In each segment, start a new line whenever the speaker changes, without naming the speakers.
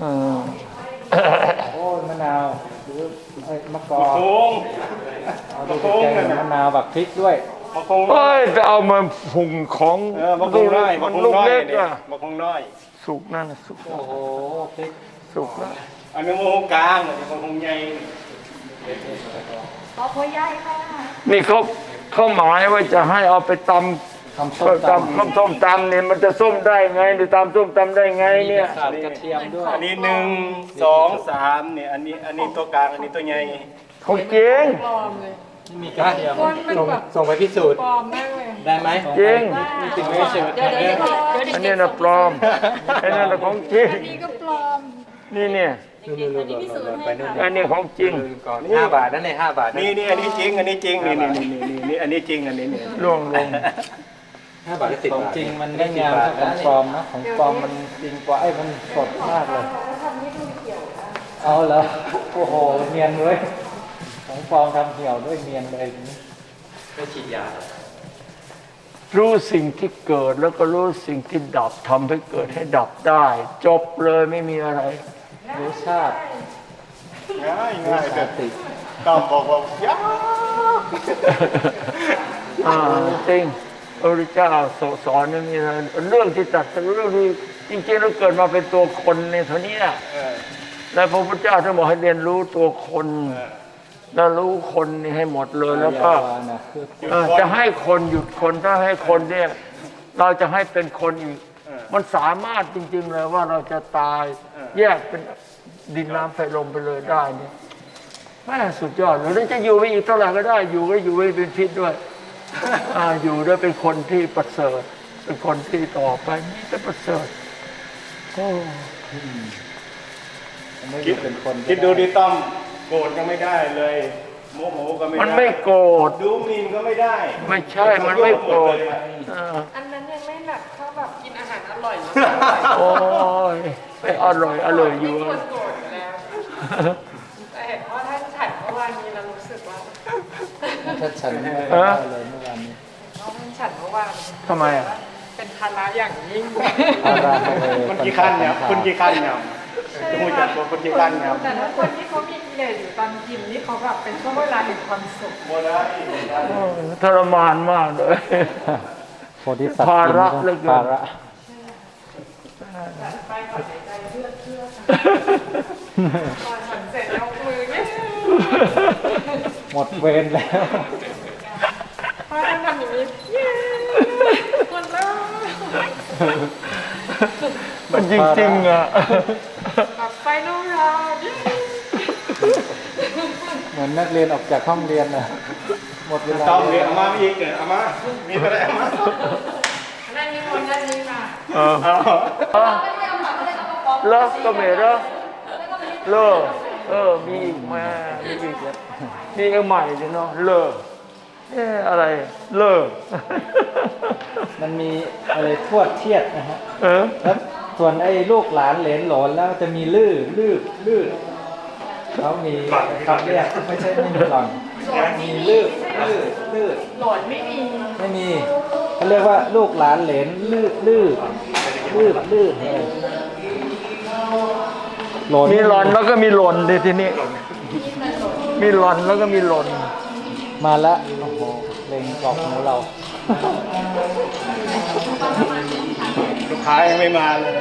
โอ้มะนาวหรือมะกอกเอาดูแกงมะนาวแบบพริกด้วย
เฮ้ยจะเอามาผุ่งของ
มัน
ลูกเล็กอะ
มะคงน้อย
สุกนั่นสุก
โอ้โหพริก
สุกแล้ว
อันนี้มะคงกลางอันนี้มะคงใหญ่
ขอพ่อใหญ่ค่ะ
นี่เขาหมายว่าจะให้เอาไปตำส้มตำเนี่ยมันจะส้มได้ไงหรือตำส้มตำได้ไงเนี่ย
ขาดกระเทียมด้วย
อันนี้1 2 3เนี่ยอันนี้ตัวกลางอันนี้ตัวใหญ่
ของจริง
มีกระเทียมส่งไปพิสูจน์ได้ไหม
จริง
มีติดไม่เฉย
อันนี้นะปลอมอันนั้นนะของจริง
อันนี้ก็ปลอม
นี่เนี่ยอันนี้ของจริง
5 บาทนั่นเอง5 บาท
นี่อันนี้จริงอันนี้จริงนี่อันนี้จริงอันนี้เนี่ย
ล่วงลง
5 บาท10 บาทของจริงมันได้งามของปลอมนะของปลอมมันจริงกว่ามันสดมากเลยเอาเหรอโอ้โหเนียนเลยของปลอมทำเหี่ยวด้วยเนียนเลยไม่ฉีดยา
รู้สิ่งที่เกิดแล้วก็รู้สิ่งที่ดับทำให้เกิดให้ดับได้จบเลยไม่มีอะไร
รู้ชาติ
ง่ายแบบต้องบอกว่ายาก
จริงพระพุทธเจ้าสอนนี่มีเรื่องที่ตัดเรื่องที่จริงๆเราเกิดมาเป็นตัวคนในเท่านี้แล้วพระพุทธเจ้าท่านบอกให้เรียนรู้ตัวคนแล้วรู้คนนี่ให้หมดเลยแล้วก็จะให้คนหยุดคนถ้าให้คนเนี่ยเราจะให้เป็นคนอีกมันสามารถจริงๆเลยว่าเราจะตายแยกเป็นดินน้ำไฟลมไปเลยได้เนี่ยแม่สุดยอดแล้วจะอยู่ไปอีกเท่าไหร่ก็ได้อยู่ก็อยู่ไม่เป็นพิษด้วยอยู่ด้วยเป็นคนที่ประเสริฐเป็นคนที่ต่อไปนี่จะประเสริฐโอ้
คิดดูดิต้อมโกรธก็ไม่ได้เลยโมโหก็ไม่ได้
มันไม่โกรธ
ดูหมิ่นก็ไม่ได้
ไม่ใช่มันไม่โกรธ
อันนั้นยังไม่แบบเขาแบบกินอาหารอร่อย
โอ้ยไม่อร่อยอยู่
ไม่ควรโกรธแล้วแต่เห็นว่าท่านฉันเมื่อวานนี้เรารู้สึกว่า
ท่านฉันเมื่อวานเลยเมื่อวานนี้
ท่านฉันเมื่อวาน
ทำไม
เป็นภาระอย่างยิ่ง
คนกี่ขั้นเนี่ยคนกี่ขั้นเนี่ยจะพูดจากคนกี่ขั้นเนี่ย
แต่ถ้าคนที่เขามีกิเลสอยู่ตอนกินนี่เขาแบบเป็นช่วงเวลาแห่งความสุข
ทรมานมากเลยภาระเลยภาระ
ไปก่อนใจเชื่อก่อนฉันเสร็จเอามือเนี่ย
หมดเวรแล้ว
พอท่านทำอย่างนี้หมดแล้ว
มันจริงๆอ่ะ
ไปนู่นเรา
เหมือนนักเรียนออกจากห้องเรียนนะหมดเวลา
ต้องเรียนมาอีกเอามามีอะไรเอามา
นั่นมีคนนั่นนี่มา
เลิกก็ไม่เลิกเลิกมีอีกมามีอีกนี่ก็ใหม่เลยเนาะเลิกอะไรเลิก
มันมีอะไรทวดเทียดนะฮะแล้วส่วนไอ้ลูกหลานเหลนหลนแล้วจะมีลื่เขามีคำเรียกไม่ใช่ไม่มีหล่อนมีลื่
หลอนไม่
มีเขาเรียกว่าลูกหลานเหลนลื่
มีหล่อนแล้วก็มีหล่นดิทีนี้มีหล่อนแล้วก็มีหล่น
มาแล้วโอ้โหเล็งกรอบหูเรา
ลูกค้ายังไม่มาเลย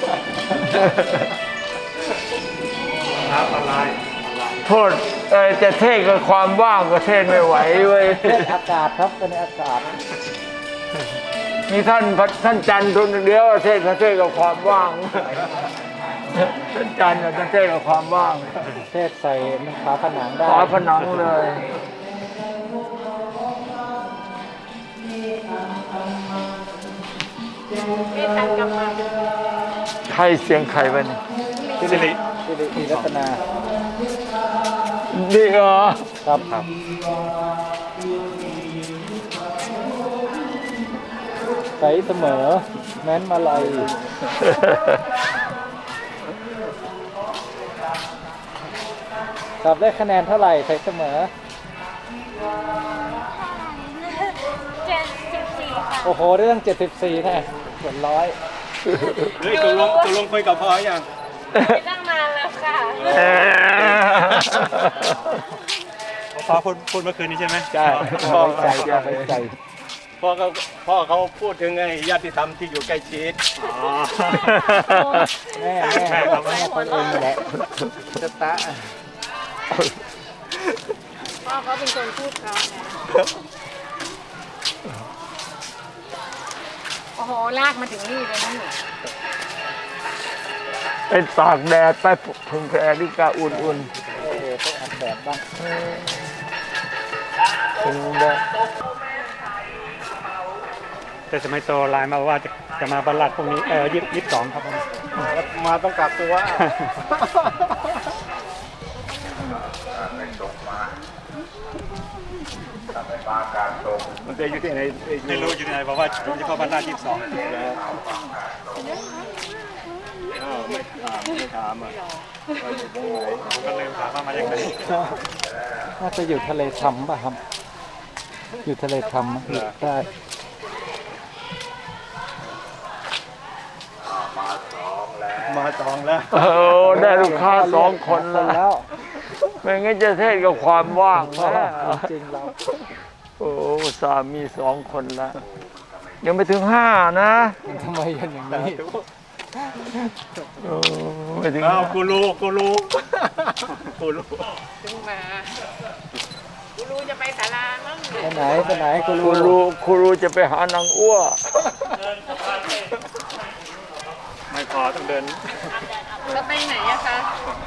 ครับอะไร
โทษจะเทศกับความว่างก็เทศไม่ไหวเว้ย
อากาศครับเป็นอากาศ
มีท่านจันทร์คนเดียวเทศกับความว่างท่านจันทร์จะเทศกับความว่าง
เทศใส่ฝาผนังได้
ฝาผนังเลยใครเสียงใครวะนี่
สิริ
รัตนา
นี่เหรอ
ครับใสเสมอแม้นมาลัยตอบได้คะแนนเท่าไหร่ใสเสมอ
74ค่ะ
โอ้โหเรื่อง74แน่ส่วน100
เฮ้ยตกลงคุยกับพ่อยัง
ไปตั้งนานแล้วค่ะ
พ่อพูดเมื่อคืนนี้ใช่ไหม
ใช่พ่อใจไปใจ
พ่อเขาพูดถึงไอ้ญาติธรรมที่อยู่ใกล้ชิด
แม่คนเองแหละจะตะ
พ่อเขาเป็นคนพูดเขาโอ้โห ลากมาถึงนี่เลยนะหนู
ไปตากแดดไปพึ่งแอริกาอุ่น
โอ้โหต้องอัดแบบบ้าง
ๆพึ่งแดด
แต่สมัยโตไลน์มาว่าจะมาบรรลัดพรุ่งนี้22ครับผม
มาต้องกักตัว
มันจะอยู่ที่ไหนไม่รู้อยู่ที่ไหนบอกว่าจะเข้าบรรลัด22ไม่ถามอ่ะก็ลืมถามว่ามาจากไหน
น่าจะอยู่ทะเลทำป่ะครับ อยู่ทะเลทำอยู่ใต้
มาจองแล้ว
ได้ลูกค้า2 คนแล้วไม่งั้นจะเทศกับความว่างนะ
จริงเรา
โอ้สามี2 คนแล้วยังไม่ถึง5นะ
ทำไมกันอย่างนี้
โอ้ไม่ถึง
อ้าวกูรู้กูรู้
ถึงมากูรู้จะไปศาลามั้ง
ไปไหนกู
ครูรู้จะไปหานางอ้ว
ไม่พอต้องเดิน
แล้วไปไหนอะคะ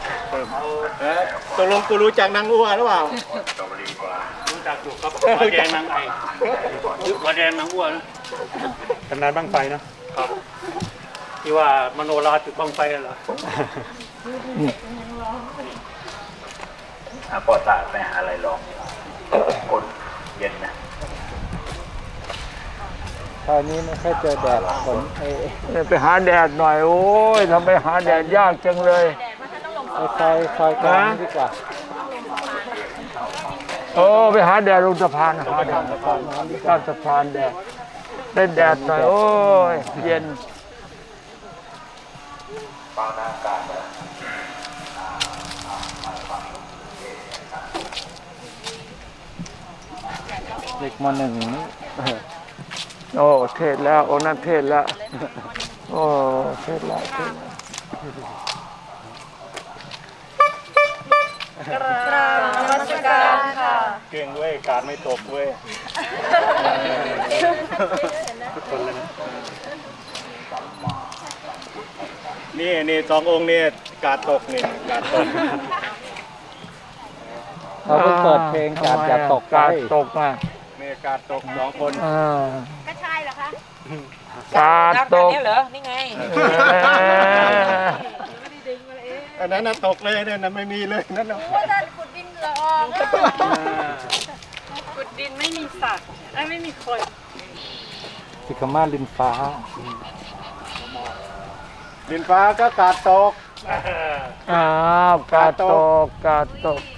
ตกลงกูรู้จักนางอ้วหรือเปล่ารู้จักถูกครับวัดแดงนางไอวัดแดงนางอ้วนะตำนานบ้างไฟนะครับที่ว่ามโนราจุดบ้างไฟเหรอ
ปอตาไปหาอะไรลองคนเย็นนะ
คราวนี้ไม่ค่อยเจอแดดฝน
ไปหาแดดหน่อยโอ้ยทำไปหาแดดยากจังเลย
คอยกลางดีกว่า
โอ้ไปหาแดดลงสะพานหาแดดข้ามสะพานแดดได้แดดหน่อยโอ้ยเย็น
เด็กมหนึ่งนี่
โอ้เทศแล้วโอ้นั่นเทศแล้วโอ้เทศแล้วเทศแล้ว
กราบนมัสการค่ะ
เก่งเว้ยการไม่ตกเว้ยทุกคนเลยนะนี่2 องค์นี่การตกนี่การตก
เขาเพิ่งเปิดเพลงกาดอย่าตกไป
กาดตกอ่ะ
นี่การตก2 คน
ก็ใช่เหรอคะ
กาดตก
เนี่ยเหรอ นี่ไง
อันนั้นน่ะตกเลยเนี่ยนะไม่มีเลยนั่นน่ะ
ว่าท่านขุดดินละอองขุดดินไม่มีสัตว์ไม่มีคน
สิกามาลินฟ้า
ดินฟ้าก็การตก
อ้าวกาดตกกาดตก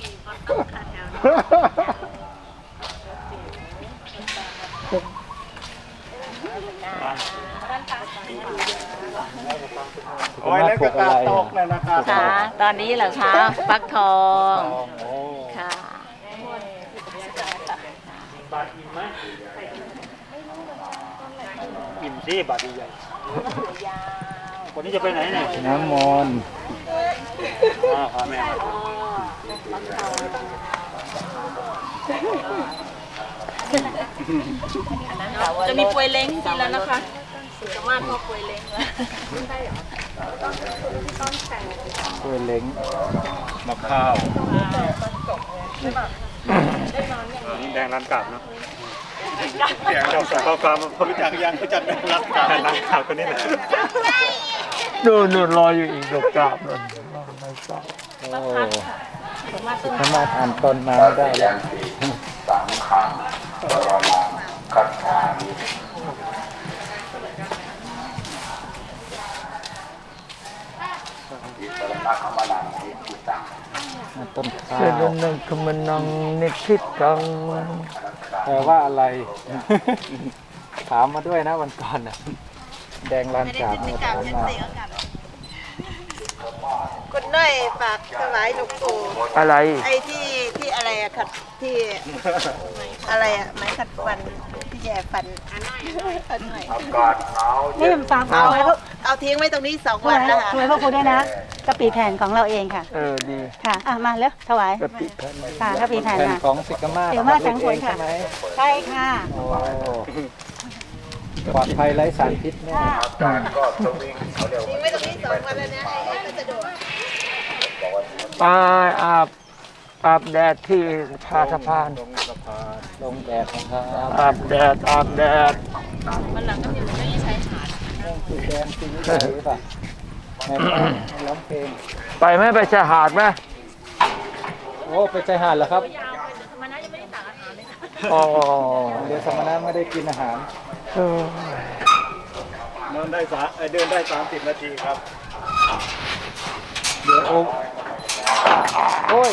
โอ้ยแล้วก็การตกเลยนะครับ
ค่ะตอนนี้เหรอคะฟักทองค่ะ
บาทอิ่มไหมอิ่มสิบาทใหญ่คนนี้จะไปไหนเนี่ย
น้ำมนต์
พาแม่มา
จะมีปวยเล้งกินแล้วนะคะสามารถพอปวยเล้งแล้ว
ตัวเล้ง
มะข้าวนี่แดงร้านกาบเนาะแดงเจ้าสาวกาบผมรู้จักยังรู้จักแดงร้านกาบร้านกาบคนนี้แหละ
นู่นรออยู่อีกดอกกาบนู่นไม่ทราบ
โอ้สามารถอ่านต้นน้ำได้แล้ว
สังขังบรมังคัจฉามิ อิสรณะขมนังอิทิตัง
ต้นข้า
เส
ว
ดนังคมนังนิคิดกัง
แปลว่าอะไร ถามมาด้วยนะวันก่อนน่ะแดงลานกาบเนี่ยถามมา
ฝากถวายหลวงปู่
อะไร
ไอ้ที่อะไรอะขัดที่อะไรอะไม้ขัดฟันที่แย่ฟันอันหน่อย
อากาศหนาว
นี่มันฟัง
เอาทิ้งไว้ตรงนี้2 วันแล้วค่ะ
ถวายพ่อครูด้วยนะกะปิแผ่นของเราเองค่ะ
ดี
ค่ะมาแล้วถวาย
กะปิแผ่น
ค่ะกะปิแผ่น
แผ่น
มา
ของสิกามา
เดี๋ยวมาทั้งคน
ใช่
ค่ะ
ไหม
ใช่ค่ะ
โอ้ปลอดภัยไร้สารพิษแน่
อากาศก็สวิงเขาเรียก
ทิ้งไว้ตรงนี้2 วันแล้วนะไอ้พัสดุ
ไปอาบแดดที่พาสะพาน
ลงแดดนะครับ
อาบแดดอาบแดด
วันหลังก็มีมันก็ยิ่งใช้ฐาน
สีแดงสีนี้หรือเปล่าแม่ร้องเพลง
ไปไหมไปชายหาดไหม
โอ้ไปชายหาดเหรอครับ
มันน่าจะไม่ได้ต่างอาหารเลยค่ะ
อ๋อ
เดี๋ยวสมณะไม่ได้กินอาหาร
เดินได้30 นาทีครับ
เดี๋ยวโอ้ย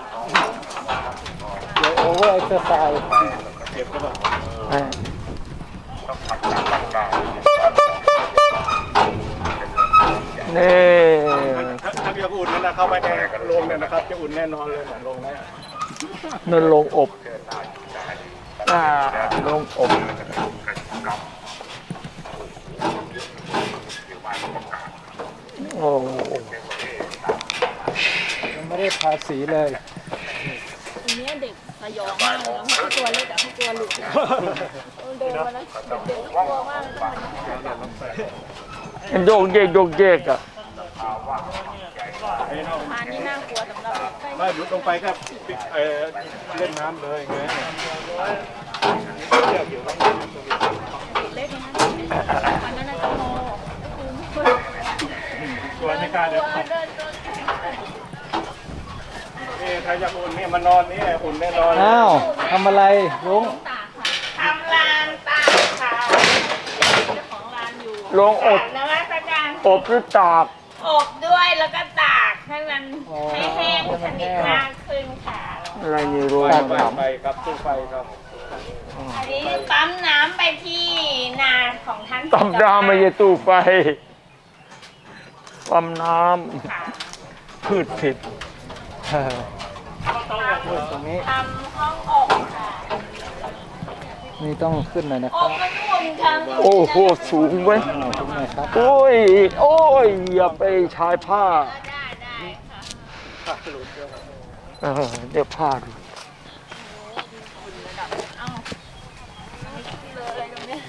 เดี๋ยวโอเวอร์เอ็กซ์ไซส์
เก็บก็แบบ
นี่
ถ้าอยากอุ่นนั่นนะเข้าไปในโรงเนี่ยนะครับ จะอุ่นแน่นอนเลยโรงนี้
นั่นลงอบลงอบ โอ้
ยังไม่ได้ทาสีเลย
ทีนี้เด็กสยองมากเลยนะตัวเล็กแต่ตัวหลุดเดินมาแล้วเด็กกลัวมากเลย
มันโยกเยกโยกเยกอ่ะ
พานี่น่ากลัวสำหรับ
ไม่หยุดลงไปแค่เล่นน้ำเลยไง
เล็กนะวันนั้นน่าจะโม
ตัวไม่กล้าเลยนี่ใครอยากอุ่นเนี่ยมานอนนี่อุ่นแน่นอน
อ้าวทำอะไรลุง
ทำลานตากค่ะเจ้าของร้านอยู่
ลงอบ
นวัตกรรม
อบหรือตาก
อบด้วยแล้วก็ตากให้มันให้แห้งสนิทมากขึ้นค่ะ
อะไรนี่รวย
ไฟครับตู้ไฟครับ
อันนี้ปั๊มน้ำไปที่นาของท่าน
ตำน้ำไม่ใช่ตู้ไฟปั๊มน้ำพืชผิด
ตรงนี้
ทำห้องอบค่ะ
นี่ต้องขึ้นหน่อยนะค
อ
รั
บบ มันอุ่นค่ะ
โอ้โหสูงไว้ย
ขึ้นหน่อยครับ
โอ้ย โอ้ย อย่าไปชายผ้า
ได้ค่ะ
เดี๋ยวผ้าดู
เลยตรงนี้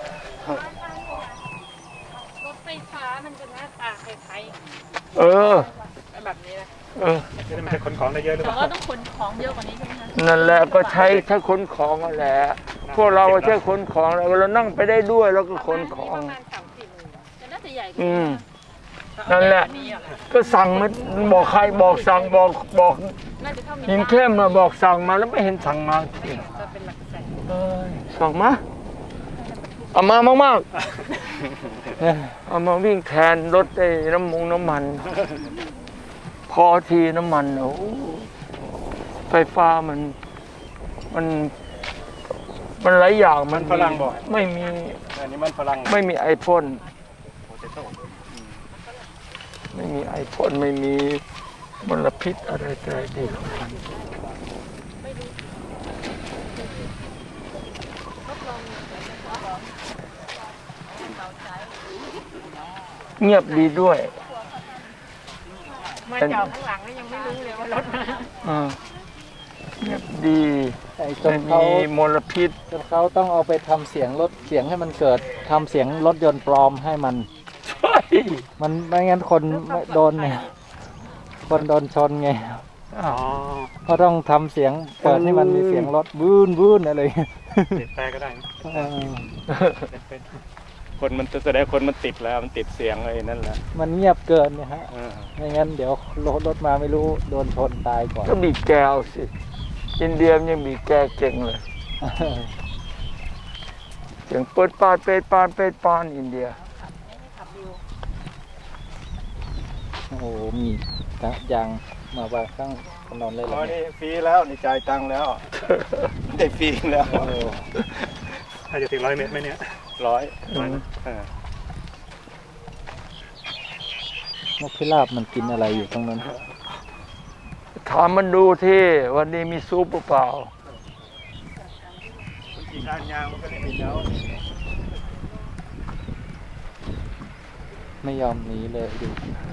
รถไฟฟ้ามันจะหน้าตาคล้าย
เออ
ๆแบบนี้เลย
เออ
จะได้ไม่ให้ขนของได้เยอะหรือเป
แต่
ล่า
ว่าต้องขนของเยอะกว่านี้ใช่ไหมคะ
นั่นแหละก็ใช้ถ้าขนของนั่นแหละ พวกเราใช้ขนของเรานั่งไปได้ด้วยแล้วก็ขนของ
แต่น่าจะใหญ่กว่า
อืม นั่นแหละ ก็สั่งมาบอกใครบอกสั่งบอก
น่าจะเท่ามี
ยิงเข้มมาบอกสั่งมาแล้วไม่เห็นสั่งมาที
จะเป็นหลักแสน
สั่งมาเอามามากๆเอามาวิ่งแทนรถไอ้น้ำมัน พอทีน้ำมันโอ้ไฟฟ้ามันหลายอย่างมัน
ฝรั่งบอก
ไม่มี
อันนี้มันฝรั่ง
ไม่มีไอพ่น
โปเตโต้
ไม่มีไอพ่นไม่มีมลพิษอะไรแต่ดีของมันเงียบดีด้วย
มาจอดข้างหลังแล้วยังไม่รู้เลยว่ารถมา
เงียบดี
ไอ้จ
ไม่
นเขา
มีมลพิษ
จนเขาต้องเอาไปทำเสียงรถเสียงให้มันเกิดทำเสียงรถยนต์ปลอมให้มัน
ใช่
มันไม่งั้นคนไม่โดนเนี่ยคนโดนชนไง
อ๋อ
ก็ต้องทำเสียงเปิดให้มันมีเสียงรถบูนบูนอะไรอย่างเงี้ย
ติดแปรก็ได้นะ
เออ
เป็นคนมันแสดงคนมันติดแล้วมันติดเสียงเลยนั่นแหละ
มันเงียบเกินเนี่ยฮะ
เออ
ไม่งั้นเดี๋ยวรถมาไม่รู้โดนชนตายก่อน
ก็บีบแกวสิอินเดียมนยังบีบแกเก่งเลยเสียงเปิดปานเปิดปานเปิดปานอินเดีย
โอ้โหมียางมาวางข้างถนนเลยเหร
อ๋
อ
อ
เนี่ย
นี่ฟรีแล้วนี่จ่ายตังค์แล้ว ได้ฟรีแล้ว
โอ้โห
ถ้าจะถึง100 เมตรไหมเนี่ย100
อืม
เออ
นกพิราบมันกินอะไรอยู่ตรงนั้น
ถามมันดูที่วันนี้มีซุปหรือเปล่า
กินด้านยางมันก็เลยมีแล้ว
ไม่ยอมหนีเลยดู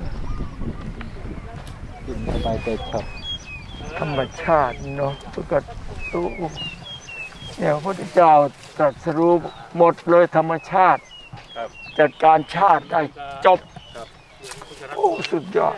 กินสบายใจครับ
ธรรมชาติเนาะปกติเนี่ยพระพุทธเจ้าตรัสรู้หมดเลยธรรมชาติ จัดการชาติได้จบโอ้สุดยอด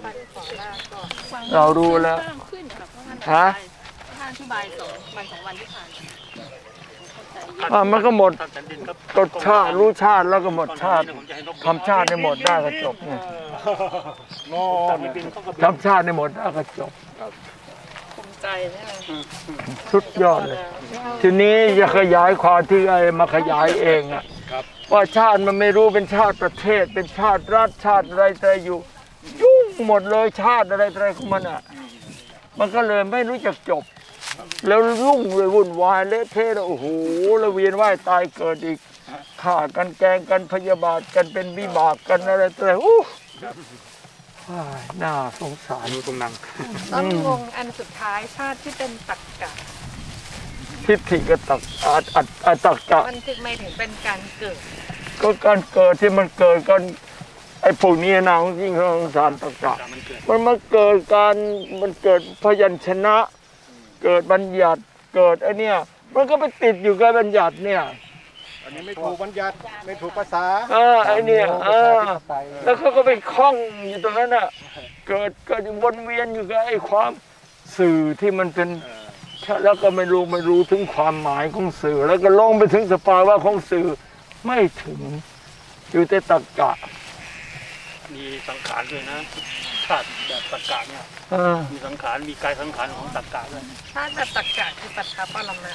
เรารู้แล้ว
ขึ้นค่ะเพราะท่าน
ฮะ
ท่านอธิบาย2 วันที่ผ่านมา
มันก็หมด
ท่านแผ่นดินครับ
กฎชาติรู้ชาติแล้วก็หมดชาติทำชาติได้หมดได้ก็จบไง
โง่บินเขาก็บิน
ทำชาติได้หมดได้ก็จบ
ภูมิใจเนี่ย
สุดยอดเลย ทีนี้จะขยายความที่ไอ้มาขยายเองอะว่าชาติมันไม่รู้เป็นชาติประเทศ เป็นชาติรัฐชาติอะไรแต่อยู่ยุ่งหมดเลยชาติอะไรอะไรของมันอะมันก็เลยไม่รู้จักจบ แล้วรุ่งเลยวุ่นวายเละเทะแล้วโอ้โหแล้วเวียนว่ายตายเกิดอีกฆ่ากันแกล้งกันพยาบาทกันเป็นวิบากกันอะไรอะไรอู้น่าสงสาร
ดูตรงนัง
ต้นงงอันสุดท้ายชาติที่เป็นตรรกะ
ทิฏฐิกตักตักกะ
มันถึงไม่ถึงเป็นการเกิด
ก็การเกิดที่มันเกิดกันไอ้พวกนี้นะยิ่งสงสารตักกะมันมาเกิดการมันเกิดพยัญชนะ เกิดบัญญัติเกิดไอ้เนี่ยมันก็ไปติดอยู่กับบัญญัติเนี่ย
อันนี้ไม่ถูกบัญญัติไม่ถูกภาษา
ไอ้เนี่ยแล้วเขาก็ไปคล้องอยู่ตรงนั้นน่ะเกิดวนเวียนอยู่กับไอ้ความสื่อที่มันเป็นแล้วก็ไม่รู้ถึงความหมายของสื่อ แล้วก็ลงไปถึงสภาวะของสื่อไม่ถึงอยู่แต่ตรรกะ
มีสังขารด้วยนะชาติแบบตรรกะเนี่ย มีสังขารมีกายสังขารของตรรกะด้วย
ชาติแบบตรรกะคือปัจฉาปรมะ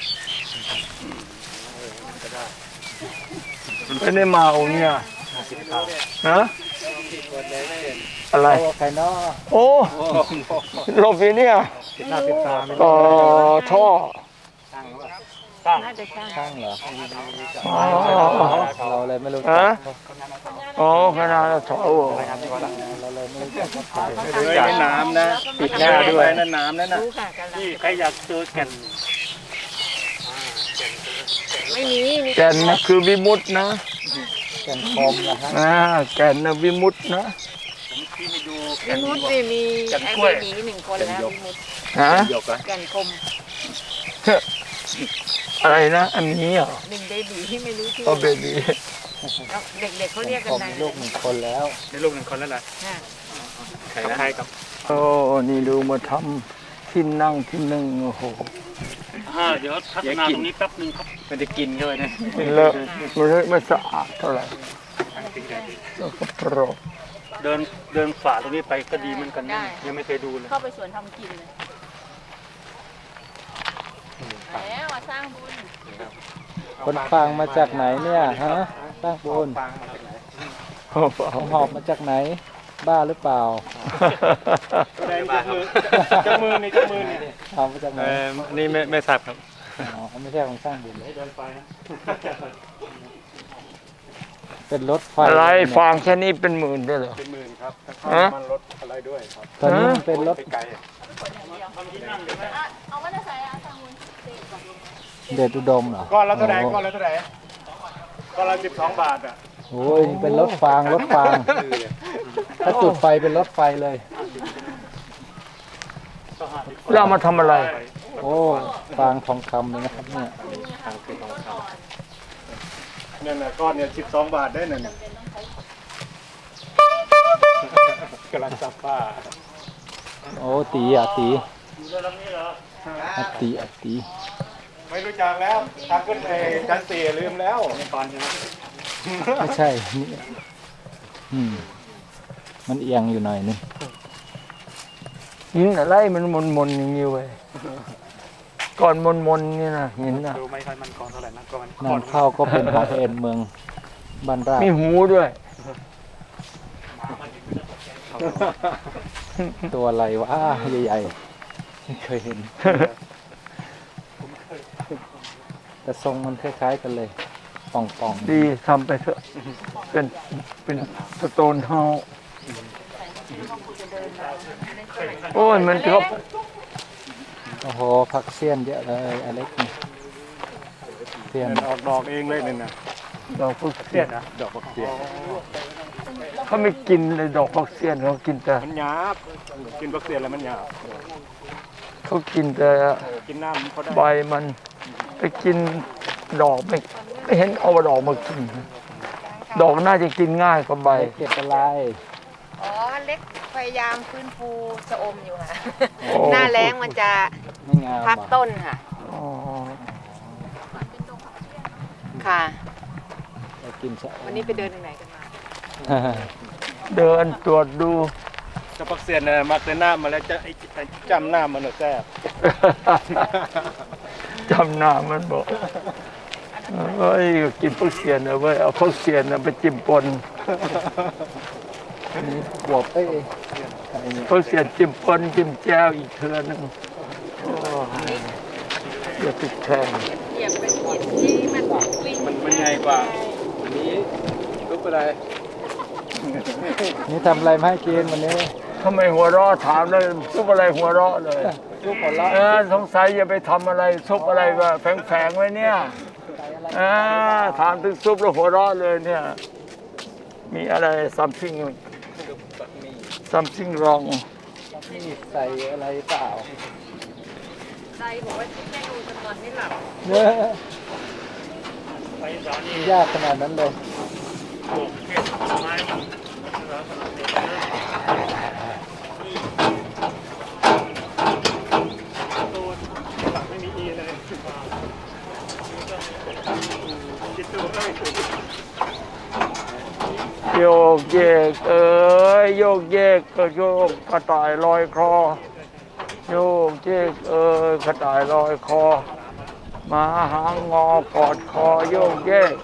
ก็ได้
ไม่ได้มาองค์เนี่ยฮะอะไร
โอ้ใครเนาะ
โอ้หลบอยู่เนี่ย
ติดหน้าติดตาไม่
ต่อท่อ
น่าจะใช่
ช่างเหรอ
อ๋อ
เราเลยไม่รู้
ฮะ
จัก
อ๋อขนาดท่อ
เราเลยไม่รู้จักเขาไป
เลยน้ำนะปิดหน้าด้วยนั่นน้ำนั่นน่ะ
รู้ค่ะกันละ
ที่ใครอยากเจอแก่น
ไม่มี
แก่นนะคือวิมุตตินะ
แก่นคมนะฮะ
แก่นนะวิมุตตินะ
ที่ไปดู
วิมุตติมีไอ้เบบี1 คนแล้ววิมุตติ
ฮะ
หยกอะ
แก่นคม
อะไรนะอันนี้เหรอ
1 เบบีที่ไม่รู้ชื่อ
เอาเบบี
เด็กๆเขาเรียกกัน
ผม
นาย
มีลูก1 คนแล้ว
ในลูก1 คนแล้วแหละ
ค่ะ
ใครกับ
โอ้นี่ดูมาทำที่นั่งที่นึ่งโอ้โห
เดี๋ยวพัฒนาตรงนี้แป๊บนึงครับมันจะกินเข้าไปนะ
เลอะไม่สะอาดเท่าไหร่แล้วก็โปรก
เดินฝ่าตรงนี้ไปก็ดีเหมือนกันนะยังไม่เคยดูเลย
เข้าไปสวนทำกินเลยแล้วมาสร้างบุญ
คนฟังมาจากไหนเนี่ยฮะสร้างบุญ
โอ้โห
หอบมาจากไหน บ้าหรือเปล่า
จับมือนี่จับมือนี่
เอามาจากไหน
นี่ไม่ทราบครับ
อ๋อไม่ใช่ของสร้างบุญเป็นรถไฟ
อะไรฟางแค่นี้เป็นหมื่นด้วยเหรอ
เป็นหมื่นครับ
ฮะ
มันลดอะไรด้วยครับ
ตอนนี้มันเป็นรถ
ไกล
เอามาจะใส่สร้างบุญ
เดชอุดมเหรอ
ก้อนละเท่าไหร่ก้อนละเท่าไหร่ก้อนละ12 บาทอ่ะ
โอ้ยนี่เป็นรถฟางถ้าจุดไฟเป็นรถไฟเลย
แล้วเอามาทำอะไร
โอ้ฟางทองคำเลยนะครับเนี่ย
เนี่ยนะก้อนเนี่ย12 บาทได้นั่นกำลังซับป้า
โอ้ตีอ่ะตีอะตีอะตี
ไม่รู้จักแล้วทางขึ้นไปชั้น4ลืมแล้วตอนใช่ไหม
ไม่ใช่นี่มันเอียงอยู่หน่อยนึง
หินอะไรมันมนอย่างนี้เว้ยก่อนมนนี่นะหินนะ
ดูไม่ค่อยมันกองเท่าไหร่นะก็มัน
นำเข้าก็เป็นของเอ็นเมืองบ้านราช
มีหูด้วย
ตัวอะไรวะใหญ่ๆไม่เคยเห็น แต่ทรงมันคล้ายๆกันเลย ป่องๆ
ดีทำไปเถอะเป็นสโตนเฮาส์โอ้ยมันก็
โอ้โหผักเสี้ยนเยอะเลยอเล็กนี่เสี้ยน
ออกดอกเองเลยนี่นะ
ดอกฟักเสี้
เสี้
ย
ย
น
นนะดอกบักเสี้ยน
เขาไม่กินเลยดอกฟักเสี้ยนเขากินแต่
มันหยาบกินบักเสี้ยนแล้วมันหยาบ
เขากินแต่
กินน้ำเขาได้
ใบมันไปกินดอกไม่เห็นเอาดอกมากินดอกน่าจะกินง่ายกว่าใบ
เก็บอะไร
อ๋อเล็กพยายามฟื้นฟูชะอมอยู่ค่ะ
โอ้
หน้าแล้งมันจะ
ไม่งาม
พัก
เหรอ
ต้นค่ะ
อ๋อ
ค่ะ
เรากินชะ
วันนี้ไปเดินที่ไหนกันมา
เดินตรวจดู
จะบักเสี้ยนเนี่ยมักแต่หน้ามาแล้วจะไอ้จำหน้ามันแซ่บ
จำหน้ามันบอกเฮ้ยกินฟักเสียนเอาไว้ยเอาฟักเสียนน่ะไปจิ้มปน
นี่บวบเอ้ยอะไรเนี่ย
ฟักเสียนจิ้มปนจิ้มแจ่วอีกเทือนึงโอ้อย่าติดแทง
เหยียบเป็นหินที่มันวิ่ง
มันใหญ่กว่าอันนี้รูปอะไร
นี่ทำอะไรมาให้กินวันนี้
ทำไมหัวเราะถามเลยซุปอะไรหัวเราะเลย
ลูกหัวเราะ
สงสัยอย่าไปทำอะไรซุปอะไรว่าแฝงๆไว้เนี่ยถามถึงซุปแล้วหัวเราะเลยเนี่ยมีอะไร something wrong
นี่ใส่อะไรเปล่า
ใจบอกว่าที่แม่ดูจะนอนไม่หลับ
เนื้อ
ไปสารนี่
ยากขนาดนั้นเลย
ปลูกเห็ดไม้ตัวหลังไม่มีอีเลยคิดดูได้ถูก
โยกเยกโยกเยกก็โยกกระต่ายลอยคอโยกเยกกระต่ายลอยคอหมาหางงอกอดคอโยกเยก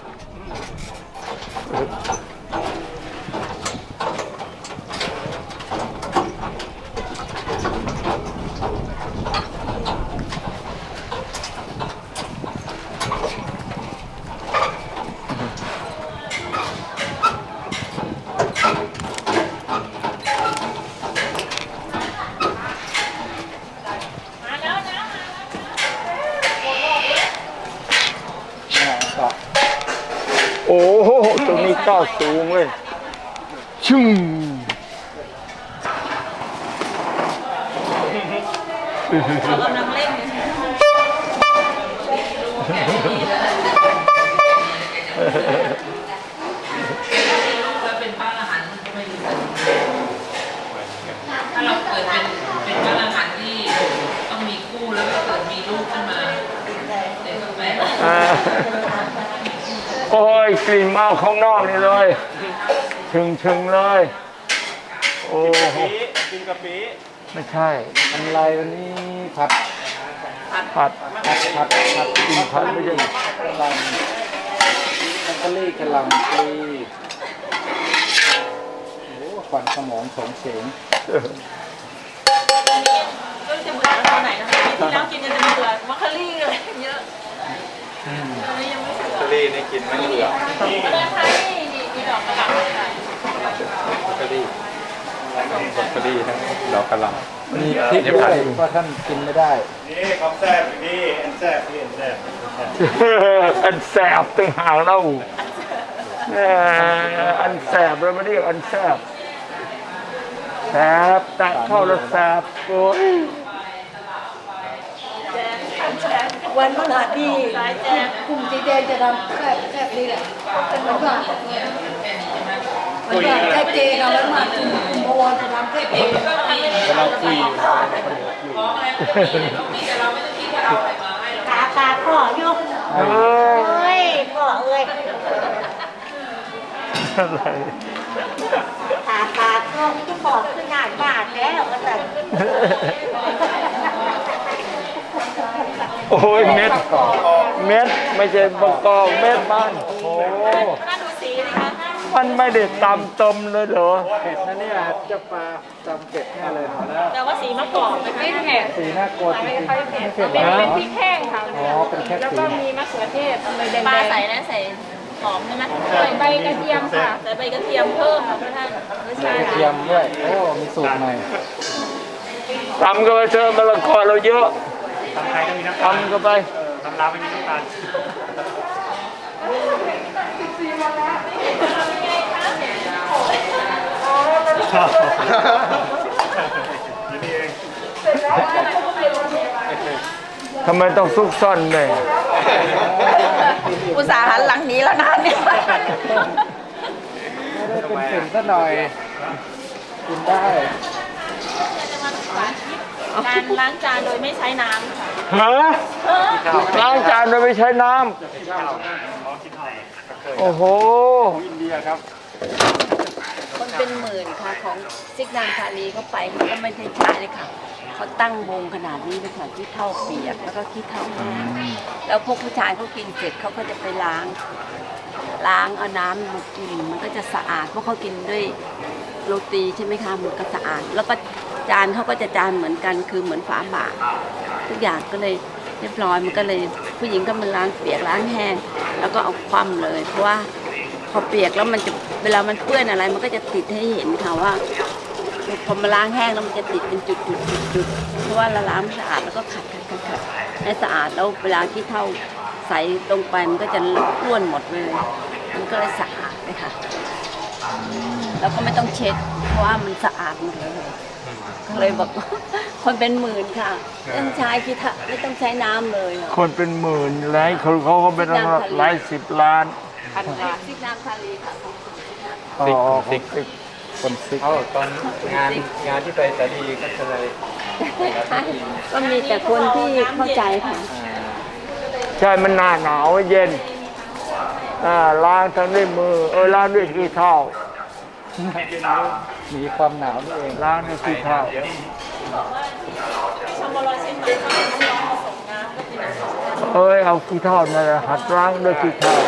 โอ้โหตรงนี้ก้าวสูงเลยชึ้งโอ้ยกลิ่นมาข้างนอกนี่เลยชึงเลย โอ้โห
กินกะปิ
ไม่ใช่
อะไรวันนี้ผัด
ผัด
กินผัดไม่ใช่กะหล่ำมักกะลี่กะหล่ำปลีโอ้ควันสมองสงเสง
ก็จะเบื่อตอนไหนนะคะที่แล้วกินกันจะเบื่อมัคคารี่เลยเยอะตอนนี้ยังไม่เบื่อ
ทะเลนี่กินไม่เบื่อ
เดินทางนี่มีดอกกระหล่ำค่ะ
ทะเลทะเลทั้งดอกกระหล่ำ
มีพริกด้วยเพราะท่านกินไม่ได้
นี่ของแซ่บนี่แอนแซ่บนี่แอนแซ่บ
อันแสบตึงหางเราอันแสบเราไม่เรียกอันแสบแสบแตะเข้าแล้วแสบโอ้ย
วันพฤหัสที่กลุ่มสีแดงจะทำแซ่บนี่แหละเป็นวันพฤหัสวันพฤหัสแซ่บเจค่ะวันพฤหัสกลุ่มพวจะทำแซ่บเจ
เราคุย
ตาพ่อยก
เอ้ย
เอ้ยพ่อเอ้ย
อะไร
ตาก็ที่บอกขึ้นหน้าบ้านแล้วก็แต่
โอ้ยเม็ดไม่ใช่บะกอกเม็ดมันโอ้
น่าดูสีเลยค่ะ
มันไม่ได้ตำต้มเลยเหรอ
เผ็ดนะเนี่ยเจ้าปลาจำเผ็ดแน่เลยพอแล้ว
แต่ว่าสีมะกอกนะคะไม่เผ็ด
สีน่ากลัวจริงๆไม่เผ็ดเหร
เป็น
อ
พริกแห้งค่ะ
อ๋อเป็นแค่
แล้ว
สี
ก็มีมะเขือเทศทำไมแดงๆปลาใส่นะใส่หอมใช่ไหมใส่ใบกระเทียมค่ะใส่ใบกระเทียมเพิ่มค่ะพระท่านรสชาติ
กระเทียมด้วยโอ้มีสูตรใหม่
ตำก็ไปเจอมะละกอเราเยอะ
ตำไทยก็มีน้ำตาล
ตำก็ไป
ตำลาวไม่มีน้ำตาลอยู่นี่เอง
ทำไมต้องซุกซ่อนเนี่ย
อุตส่าห์หันหลังหนี้แล้วนะเนี่ย
ไม่ได้เป็นกลิ่นซะหน่อยกินได้
การล้างจานโดยไม่ใช้น้ำค่ะ
ฮะล้างจานโดยไม่ใช้น้
อ๋อคิดเท่า
ำโอ้โห
อินเดียครับ
คนเป็นหมื่นค่ะของซิกนางธานีเขาไปเขาก็ไม่ได้ใช้เลยค่ะเขาตั้งวงขนาดนี้เลยค่ะขี้เถ้าเปียกแล้วก็ขี้เถ้าแห้งแล้วพวกผู้ชายเขากินเสร็จเขาก็จะไปล้างเอาน้ำมากินมันก็จะสะอาดเพราะเขากินด้วยโรตีใช่ไหมคะมันก็สะอาด แล้วก็จานเขาก็จะจานเหมือนกันคือเหมือนฝาบาททุกอย่างก็เลยเรียบร้อยมันก็เลยผู้หญิงก็มาล้างเปียกล้างแห้งแล้วก็เอาคว่ำเลยเพราะว่าพอเปียกแล้วมันจะเวลามันเปื้อนอะไรมันก็จะติดให้เห็นค่ะว่าพอมาล้างแห้งแล้วมันจะติดเป็นจุดเพราะว่าเราล้างไม่สะอาดแล้วก็ขัดให้สะอาดแล้วเวลาที่เท่าใส่ลงไปมันก็จะล้วนหมดเลยมันก็เลยสะอาดเลยค่ะแล้วก็ไม่ต้องเช็ดเพราะว่ามันสะอาดหมดเลยก็เลยบอกคนเป็นหมื่นค่ะไม่ต้องใช้ขี้เถ้าไม่ต้องใช้น้ำเลย
คนเป็นหมื่นหลายคนเขาก็เป็นหลายสิบล้าน
พันล้านซิกน้ำทะเลค่ะ
อ๋อคนซิก
ตอนงานที่ไปสาลีก็จะเลย
ก็มีแต่คนที่เข้าใจค่ะ
ใช่ มันหน้าหนาวเย็นล้างทั้งด้วยมือล้างด้วยขี้เถ้า
มีความหนาวนี่เอง
ล้างด้วยขี้เถ้า
ชมรมเชียงใหม่เขาลองผสมน้ำก็เป็น
เอาขี้เถ้านั่นแหละหัดล้างด้วยขี้เถ้า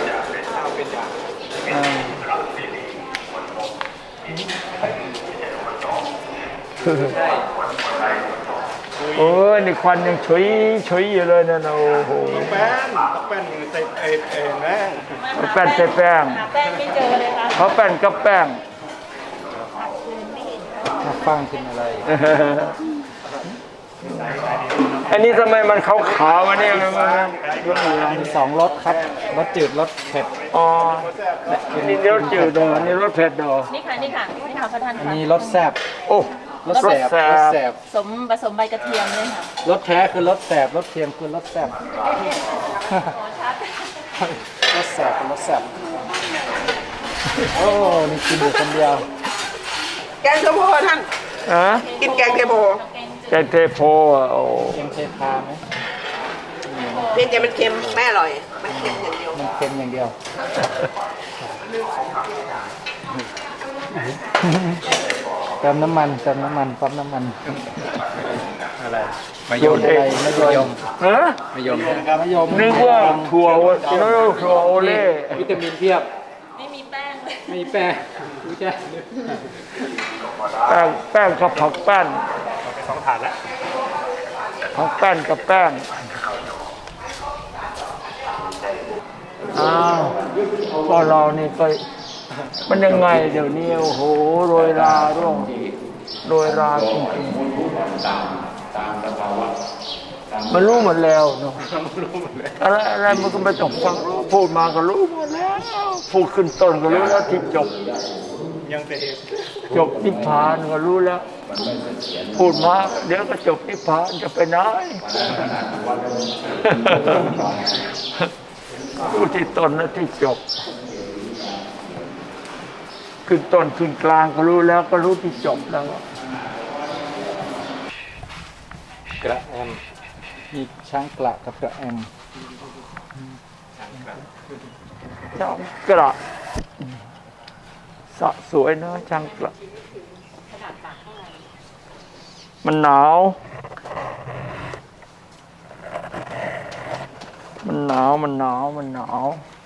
นี่ควันยังฉุยอยู่เลยนั่นน่ะโอ้โห
แป้นใส่แม่
แป้นใส่แป้ง
หาแป้งไม่เจอเลยค่ะ
เขาแป้นกับแป้ง
มาฟังกินอะไร
อันนี้ทำไมมันขาวๆวะเนี่ยมัน
มีสองรสครับรสจืดรสเผ็ด
อ๋อนี่รสจืดเหรอนี่รสเผ็ดเหรอ
นี่ค่ะพระท่าน
อัน
ค่ะ
นี้รสแซ่บ
โอ้
รสแสบรสแสบ
ผสมใบกระเทียมเลยค่ะ
รสแท้คือรสแสบรสเทียมคือรสแซ่บรสแสบเป็นรสแสบโอ้นี่กินอยู่คนเดียว
แกงเทโพท่าน
ฮะ
กินแกงเทโพ
แกงเทโพอ่ะโอ้
เค็มเทพาไหม
เพียงแต่มันเค็มไม่อร่อย มันเค็มอย่างเดียว
มันเค็มอย่างเดียวเติมน้ำมันปั๊มน้ำมัน
อะไร
มะยมอะไรมะยม
ฮะ
มะยม
นึกว่าถั่วถั่วโอเล่
วิตามินเพียบ
ไม่มีแป้งเลย
ไม่แป้งรู้จัก
แป้งกับผักแป้น
ไป2 ถาดแล้ว
ผักแป้นกับแป้งอ้าวก็เรานี่ก็มันยังไงเดี๋ยวนี้โอ้โหโรยราร่วงโรยราจริงๆมันรู้หมดแล้วเนาะอะไรมันก็ไม่ต้องฟังพูดมาก็รู้หมดแล้วพูดขึ้นต้นก็รู้แล้วที่จบ
ยังแต่
จบนิพพานก็รู้แล้ว พูดมาเดี๋ยวก็จบนิพพานจะไปไหนรู้ที่ต้นและที่จบขึ้นต้นขึ้นกลางก็รู้แล้วก็รู้ที่จบแล้ว
กระแอมมีช้างกระกับกระแอม
ช่างกระสะสวยนะช่างกระมันหนาว มันหนาว